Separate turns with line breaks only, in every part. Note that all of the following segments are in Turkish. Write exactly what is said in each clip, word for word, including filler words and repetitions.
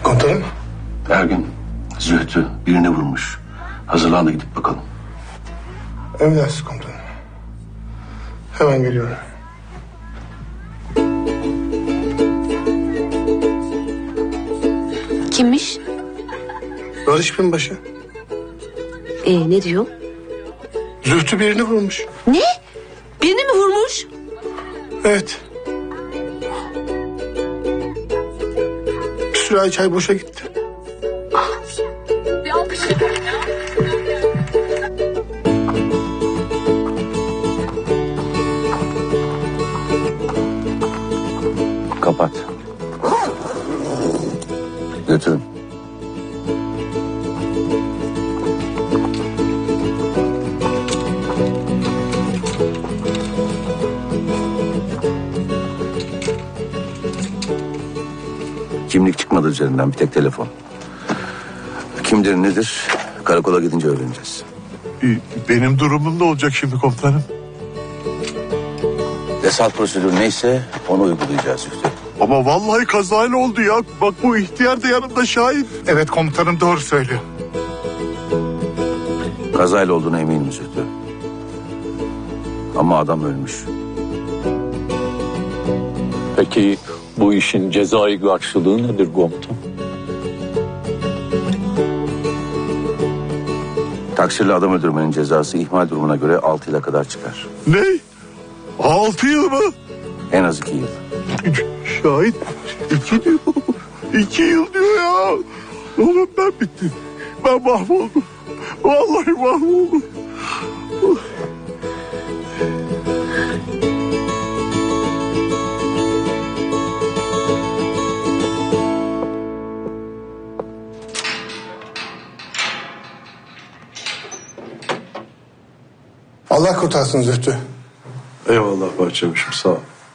Komutanım.
Ergin, Zühtü birini vurmuş. Hazırlan da gidip bakalım.
Emredersiniz komutanım. Hemen geliyorum.
Kimmiş?
Barış binbaşı.
Ee, ne diyor?
Zühtü birini vurmuş.
Ne? Birini mi vurmuş?
Evet. Bir sürahi çay boşa gitti.
Bir alkış.
Kapat. Götürün. Kimlik çıkmadı üzerinden, bir tek telefon. Kimdir nedir karakola gidince öğreneceğiz.
Benim durumum ne olacak şimdi komutanım?
Desalt prosedürü neyse onu uygulayacağız Zühtü.
Ama vallahi kazayla oldu ya. Bak bu ihtiyar da yanımda şahit.
Evet komutanım, doğru söylüyor.
Kazayla olduğuna eminim Zühtü. Ama adam ölmüş.
Peki bu işin cezai karşılığı nedir komutan?
Taksirli adam öldürmenin cezası ihmal durumuna göre altı yıla kadar çıkar.
Ne? Altı yıl mı?
En az iki yıl.
Şahit iki diyor. İki yıl diyor ya. Oğlum ben bittim. Ben mahvoldum. Vallahi mahvoldum.
Allah kurtarsın Zühtü.
Eyvallah bahçemişim, sağ ol.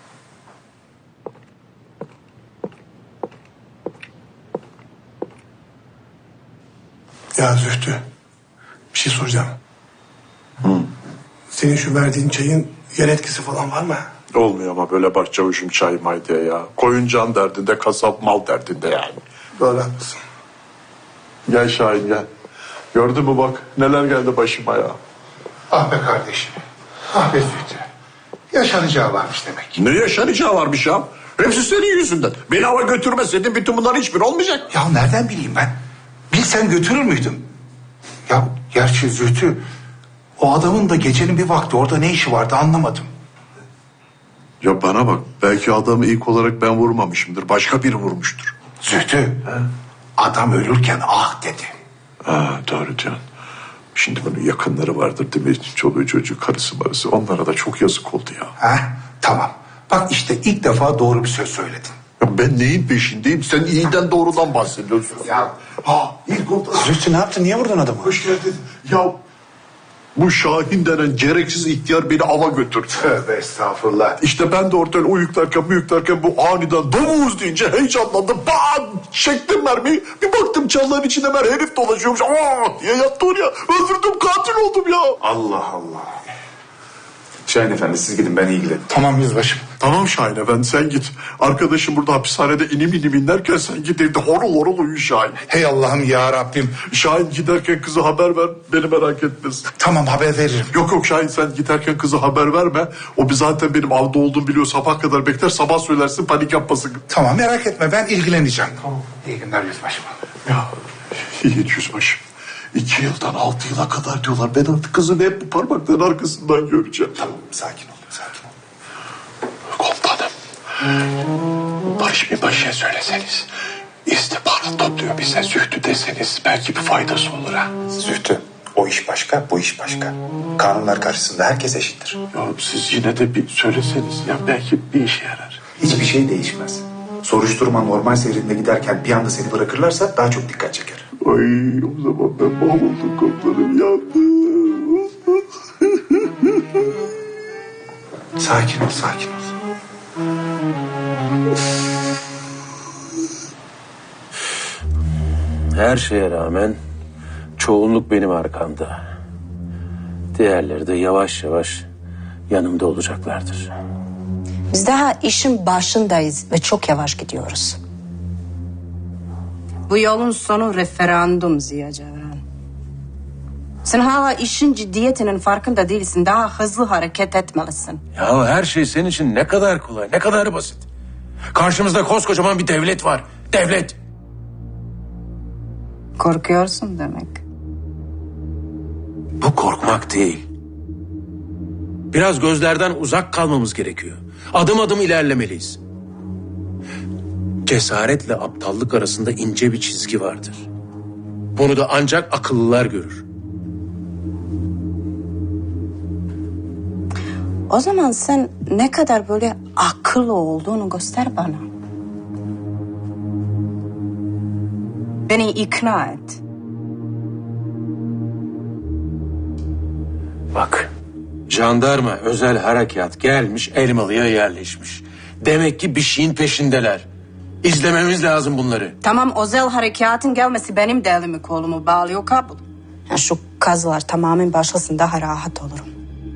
Ya Zühtü, bir şey soracağım.
Hı.
Senin şu verdiğin çayın yer etkisi falan var mı?
Olmuyor ama böyle bahçemişim çay may diye ya. Koyun can derdinde, kasap mal derdinde yani.
Doğru, haklısın.
Gel Şahin gel. Gördün mü bak neler geldi başıma ya.
Ah be kardeşim. Ah be Zühtü. Yaşanacağı varmış demek.
Ne yaşanacağı varmış ya? Hepsi senin yüzünden. Beni hava götürmeseydin bütün bunların hiçbir olmayacak.
Ya nereden bileyim ben? Bilsem götürür müydüm? Ya gerçi Zühtü, o adamın da gecenin bir vakti orada ne işi vardı anlamadım.
Ya bana bak, belki adamı ilk olarak ben vurmamışımdır. Başka biri vurmuştur.
Zühtü, He? adam ölürken ah dedi.
Ha, doğru diyorsun. Şimdi bunun yakınları vardır değil mi? Çoluğu çocuğu, karısı marısı. Onlara da çok yazık oldu ya.
Ha, tamam. Bak işte ilk defa doğru bir söz söyledin.
Ya ben neyin peşindeyim? Sen iyiden doğrudan bahsediyorsun.
Ya
Ha, ilk oldu.
Zühtü ne yaptın? Niye vurdun adamı?
Hoş geldin. Ya bu Şahin denen gereksiz ihtiyar beni ava götürdü.
Tövbe estağfurullah.
İşte ben de ortadan uyuklarken uyuklarken bu aniden domuz deyince heyecanlandım. Bam! Çektim mermiyi. Bir baktım çalıların içinde mer herif dolaşıyormuş. Aa diye yattı oraya. Öldürdüm, katil oldum ya.
Allah Allah. Şahin efendi siz gidin, ben ilgilenirim.
Tamam yüzbaşım.
Tamam Şahin efendi sen git. Arkadaşım burada hapishanede inim inim inlerken sen git evde horul horul uyu Şahin.
Hey Allah'ım ya Rabbim.
Şahin giderken kızı haber ver, beni merak etmesin.
Tamam, haber veririm.
Yok yok Şahin sen giderken kızı haber verme. O bir zaten benim avda olduğumu biliyor, sabah kadar bekler, sabah söylersin, panik yapmasın.
Tamam, merak etme, ben ilgileneceğim. Tamam. İyi günler yüzbaşım.
Ya Yiğit yüzbaşım. İki yıldan altı yıla kadar diyorlar. Ben artık kızını hep bu parmakların arkasından göreceğim.
Tamam, sakin ol, sakin ol.
Komutanım. Barış bir başa söyleseniz. İstihbarat topluyor bize, Zühtü deseniz belki bir faydası olur ha.
Zühtü, o iş başka, bu iş başka. Kanunlar karşısında herkes eşittir.
Ya siz yine de bir söyleseniz ya, belki bir işe yarar.
Hiçbir şey değişmez. Soruşturma normal seyrinde giderken bir anda seni bırakırlarsa daha çok dikkat çeker.
Ay o zaman ben mahvoldum komutanım, yandım.
Sakin ol, sakin ol.
Her şeye rağmen çoğunluk benim arkamda. Diğerleri de yavaş yavaş yanımda olacaklardır.
Biz daha işin başındayız ve çok yavaş gidiyoruz. Bu yolun sonu referandum Ziya Cevran. Sen hala işin ciddiyetinin farkında değilsin. Daha hızlı hareket etmelisin.
Ya her şey senin için ne kadar kolay, ne kadar basit. Karşımızda koskocaman bir devlet var. Devlet.
Korkuyorsun demek.
Bu korkmak değil. Biraz gözlerden uzak kalmamız gerekiyor. Adım adım ilerlemeliyiz. Cesaretle aptallık arasında ince bir çizgi vardır. Bunu da ancak akıllılar görür.
O zaman sen ne kadar böyle akıllı olduğunu göster bana. Beni ikna et.
Bak, jandarma özel harekat gelmiş, Elmalı'ya yerleşmiş. Demek ki bir şeyin peşindeler. İzlememiz lazım bunları.
Tamam, özel harekatın gelmesi benim de elimi kolumu bağlıyor, kabul. Ya şu kazılar tamamen başlasın, daha rahat olurum.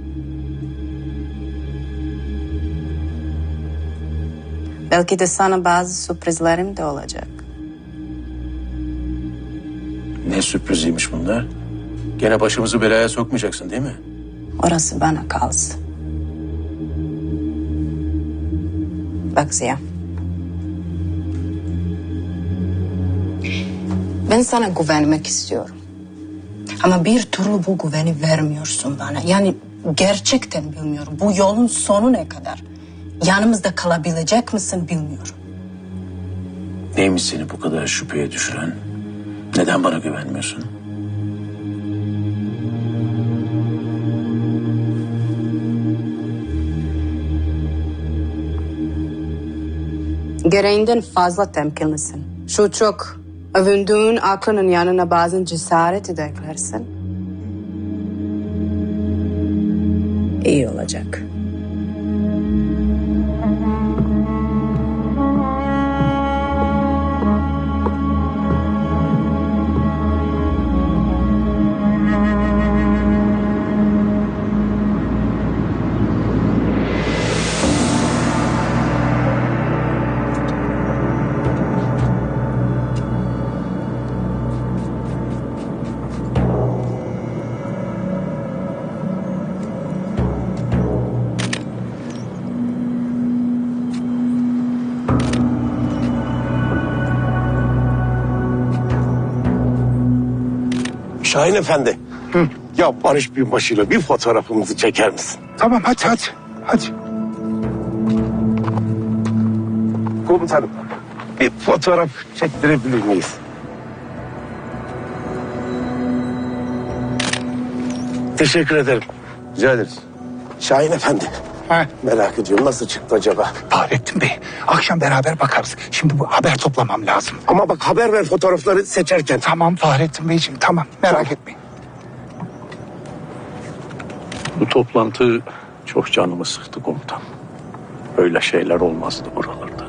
Belki de sana bazı sürprizlerim de olacak.
Ne sürpriziymiş bunlar? Gene başımızı belaya sokmayacaksın değil mi?
Orası bana kalsın. Bak Ziya. Ben sana güvenmek istiyorum. Ama bir türlü bu güveni vermiyorsun bana. Yani gerçekten bilmiyorum. Bu yolun sonu ne kadar? Yanımızda kalabilecek misin bilmiyorum.
Neymiş seni bu kadar şüpheye düşüren? Neden bana güvenmiyorsun?
Gereğinden fazla temkinlisin. Şu çok övündüğün aklının yanına bazen cesareti de eklersin. İyi olacak.
Şahin Efendi. Hı. Ya Barış Binbaşı'yla bir fotoğrafımızı çeker misin?
Tamam hadi hadi. Hadi.
Komutanım bir fotoğraf çektirebilir miyiz? Teşekkür ederim.
Rica ederiz.
Şahin Efendi.
Ha.
Merak ediyorum nasıl çıktı acaba?
Fahrettin Bey, akşam beraber bakarız. Şimdi bu haber toplamam lazım.
Ama bak haber ver fotoğrafları seçerken.
Tamam Fahrettin Beyciğim, tamam. Merak
Tamam.
etmeyin.
Bu toplantı çok canımı sıktı komutan. Öyle şeyler olmazdı buralarda.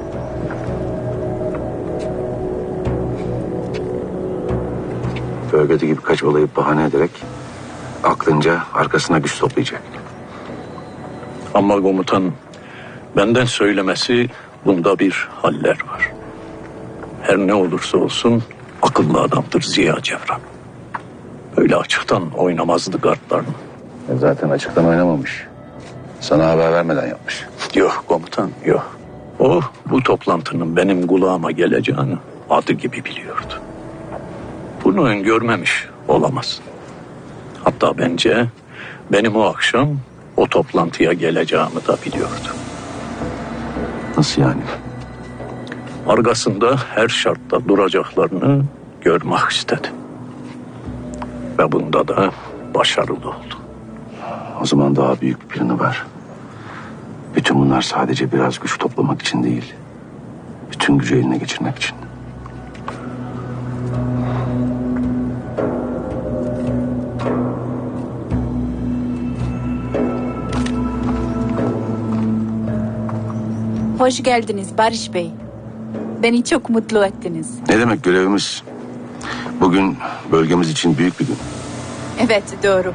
Bölgedeki birkaç olayı bahane ederek aklınca arkasına güç toplayacak.
Ama komutan benden söylemesi bunda bir haller var. Her ne olursa olsun akıllı adamdır Ziya Cevran. Öyle açıktan oynamazdı kartlarını.
E zaten açıktan oynamamış. Sana haber vermeden yapmış.
Yok komutan yok. O bu toplantının benim kulağıma geleceğini adı gibi biliyordu. Bunu öngörmemiş olamaz. Hatta bence benim o akşam o toplantıya geleceğimi de biliyordu.
Nasıl yani?
Arkasında her şartta duracaklarını görmek istedi. Ve bunda da başarılı oldu.
O zaman daha büyük bir planı var. Bütün bunlar sadece biraz güç toplamak için değil. Bütün gücü eline geçirmek için.
Hoş geldiniz Barış Bey. Beni çok mutlu ettiniz.
Ne demek görevimiz? Bugün bölgemiz için büyük bir gün.
Evet doğru.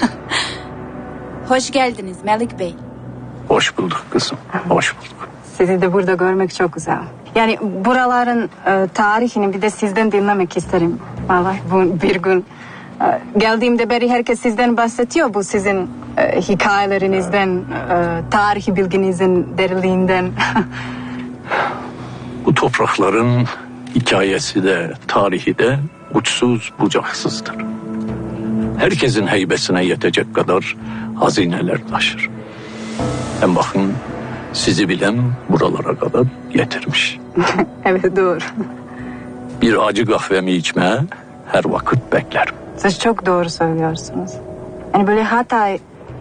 Hoş geldiniz Melik Bey.
Hoş bulduk kızım, hoş bulduk.
Sizi de burada görmek çok güzel. Yani buraların e, tarihini bir de sizden dinlemek isterim. Vallahi bu bir gün e, geldiğimde beri herkes sizden bahsediyor. Bu sizin e, hikayelerinizden, e, tarihi bilginizin derinliğinden.
Bu toprakların hikayesi de, tarihi de uçsuz bucaksızdır. Herkesin heybesine yetecek kadar hazineler taşır. Hem bakın sizi bilen buralara kadar getirmiş.
Evet, doğru.
Bir acı kahvemi içmeye her vakit beklerim.
Siz çok doğru söylüyorsunuz. Yani böyle Hatay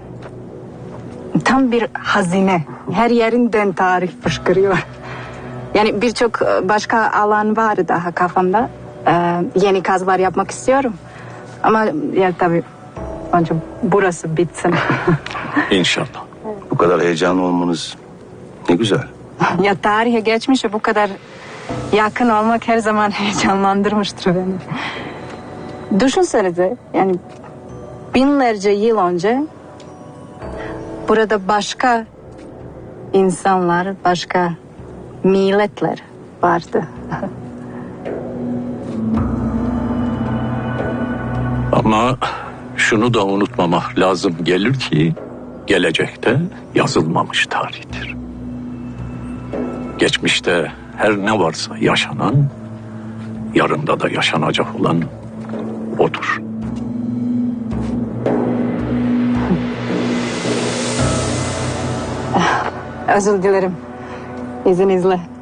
tam bir hazine. Her yerinden tarih fışkırıyor. Yani birçok başka alan var daha kafamda. Ee, yeni kazılar yapmak istiyorum. Ama ya tabii önce burası bitsin.
İnşallah.
Bu kadar heyecanlı olmanız ne güzel.
Ya tarihe geçmişe bu kadar yakın olmak her zaman heyecanlandırmıştır beni. Düşünsenize yani binlerce yıl önce burada başka insanlar, başka milletler vardı.
Ama şunu da unutmamak lazım gelir ki gelecekte yazılmamış tarihtir. Geçmişte her ne varsa yaşanan, yarında da yaşanacak olan odur.
Özür dilerim. İzninizle.